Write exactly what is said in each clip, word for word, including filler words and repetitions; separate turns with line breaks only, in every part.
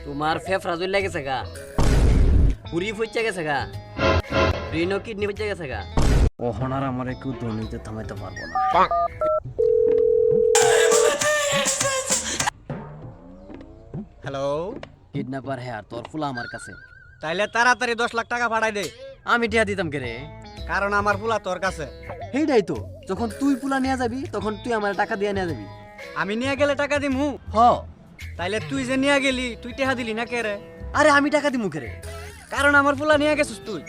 তোমার ফেফড়া জ্বলে গেছে গা, পুরি ফুইচে গেছে গা, রিনো কিডনি ফুইচে গেছে গা। ওহনার আমারে কেউ দুর্নীতি থামাইতে পারবো না।
হ্যালো,
কিডন্যাপার হ্যাঁ, তোর ফুলা আমার কাছে।
তাইলে তাড়াতাড়ি দশ লাখ টাকা পাঠাই দে,
আমি টিয়া দিতাম কে রে?
কারণ আমার ফুলা তোর কাছে।
সেইটাই তো, যখন তুই পুলা নিয়ে যাবি তখন তুই আমার টাকা দিয়ে নিয়ে যাবি।
আমি নিয়ে গেলে টাকা দিমু?
হ।
তাইলে তুই যে নিয়ে গেলি তুই টেহা দিলি না কে রে?
আরে আমি টাকা দিমু কে রে?
কারণ আমার ফুলা নিয়ে গেছিস তুই।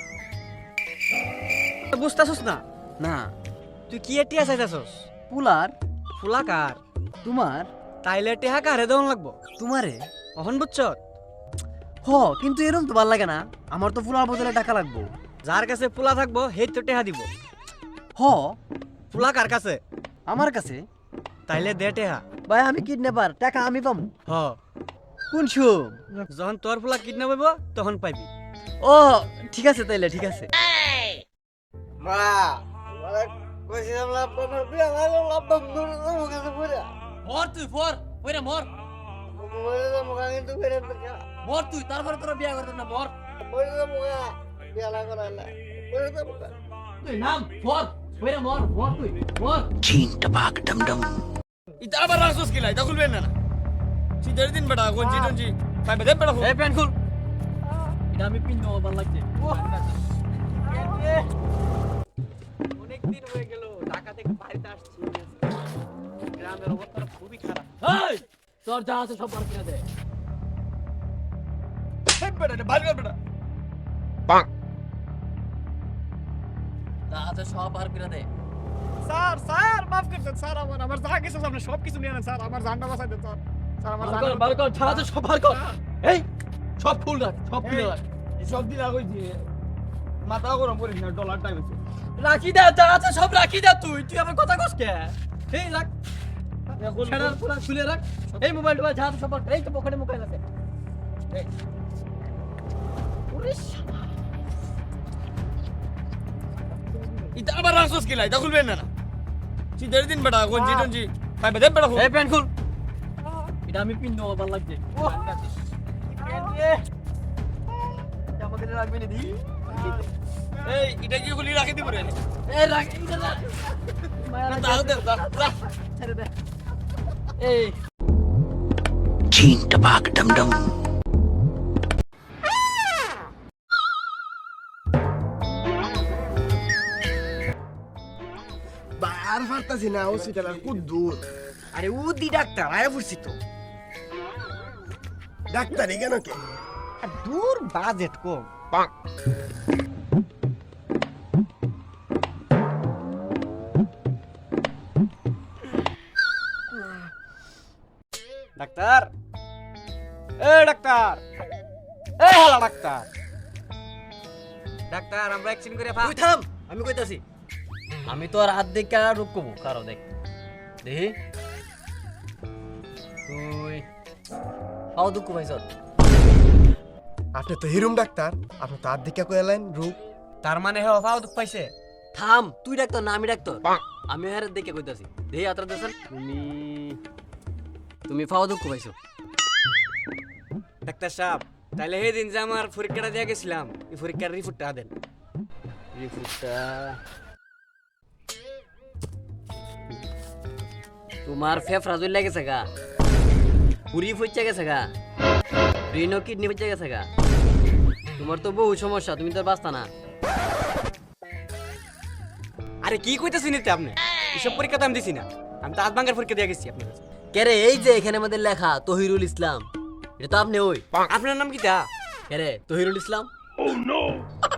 বুঝতেছিস না?
না,
তুই কি টিয়া চাইতেছস?
পুলার
ফুলা কার?
তোমার।
তাইলে টেহা কারে দেওয়ান লাগবো?
তোমারে।
অহন বুঝছ?
হ, কিন্তু এরকম তো ভাল লাগে না, আমার তো ফুলার বদলে টাকা লাগবো।
যার কাছে ফুলা থাকবো সেই তো টেহা দিব।
হ।
ফুলা কার কাছে?
আমার কাছে।
তাইলে দে টেহা।
ভাই আমি কিডন্যাপার, টাকা আমি পাবো।
হ,
কোন সুম?
যখন তোর ফুলা কিডন্যাপ হইব তখন পাইবি।
ও ঠিক আছে, তাইলে ঠিক আছে।
মা মানে কইছিলাম লাভ আমার বিয়া লাগলো লাভ দূর দূর কাছে পুরা
মর তুই, ফর ওইরা মর
মরে তো মুখা কিন্তু ফেরে দেখা
মর তুই, তারপরে তোরা বিয়া করতে না, মর
মরে তো মুখা বিয়া লাগলো না মরে তো মুখা
তুই নাম ফর ওইরা মর মর তুই মর।
ইতা আবার রাসুস কিলাই তা খুলবেন না। সিদের দিন বেটা কোন জিটন জি পাইবে দে বেটা।
এই প্যান খুল, এটা আমি পিন দেবো, ভালো লাগছে।
অনেক দিন হয়ে গেল ঢাকা থেকে বাড়িতে আসছি, গ্রামের অবস্থা খুবই খারাপ।
এই তোর যা আছে সব বার করে দে।
হেড বেটা এটা বাইরে বেটা।
যা আছে সব বার করে দে।
স্যার স্যার মাফ করছেন স্যার, আমার আমার যা কিছু আপনি সব কিছু নিয়ে নেন স্যার, আমার জানটা বাঁচাই দেন স্যার। স্যার আমার
বার
জান
কর, বার কর, যা আছে সব বার কর। এই সব ফুল রাখ, সব ফুল রাখ।
সব দিলা কই দিয়ে মাথা গরম করিস না, ডলার টাইম আছে।
রাখি দে, যা আছে সব রাখি দে। তুই তুই আমার কথা কস কে? এই রাখ, ছেড়ার পুরা খুলে রাখ। এই মোবাইল টোবাইল যা আছে সব বার কর। এই তো পকেটে মোবাইল আছে। এই ওরে শালা,
ইতা আবার রাসুস কিলাই তা খুলবেন না। সিদের দিন বেটা কোন জিটন জি পাইবে দে বেটা।
এই প্যান খুল, এটা আমি পিন দেবো, ভালো লাগছে। আমাকে রাখবি না দি।
এই এটা কি খুলি রাখি দিব রে?
এই রাখ, এইটা রাখ। মায়া
না
লাগছে।
তাও দে দা দা।
ছেড়ে দে। এই
আর পারতাছি না হসপিটাল আর খুব দূর
আরে উদি ডাক্তার আয়া পড়ছি তো।
ডাক্তারি কেন কে
আর দূর বাজেট কম। ডাক্তার, এ ডাক্তার, এ হালা ডাক্তার, ডাক্তার আমরা অ্যাকশন করে ফা।
তুই থাম, আমি কইতাছি। আমি তো আর হাত দেখা রূপ কমু কারো দেখ দেখি। তুই পাও দুঃখ পাইছ?
আপনি তো হিরুম ডাক্তার, আপনি তো আর দেখা কইলেন রূপ
তার মানে হ্যাঁ ফাও দুঃখ পাইছে।
থাম, তুই ডাক্তার না আমি ডাক্তার। আমি আর দেখে কইতাছি দেখি আত্রা দেন। তুমি তুমি পাও দুঃখ পাইছো?
ডাক্তার সাহেব তাইলে সেই দিন যে আমার পরীক্ষাটা দিয়ে গেছিলাম এই পরীক্ষার রিপোর্টটা দেন।
রিপোর্টটা তোমার ফেফড়া জ্বলে গেছে গা, পুরি ফুইচে গেছে গা, রিনো কিডনি ফুইচে গেছে গা। তোমার তো বহু সমস্যা, তুমি তো আর বাঁচতা না।
আরে কি কইতেছেন এতে আপনি? এসব পরীক্ষা তো আমি দিছি না, আমি তো আধ ভাঙ্গার পরীক্ষা দিয়ে গেছি আপনার কাছে।
কেরে এই যে এখানে আমাদের লেখা তহিরুল ইসলাম, এটা তো আপনি ওই।
আপনার নাম কি তা?
কেরে তহিরুল ইসলাম?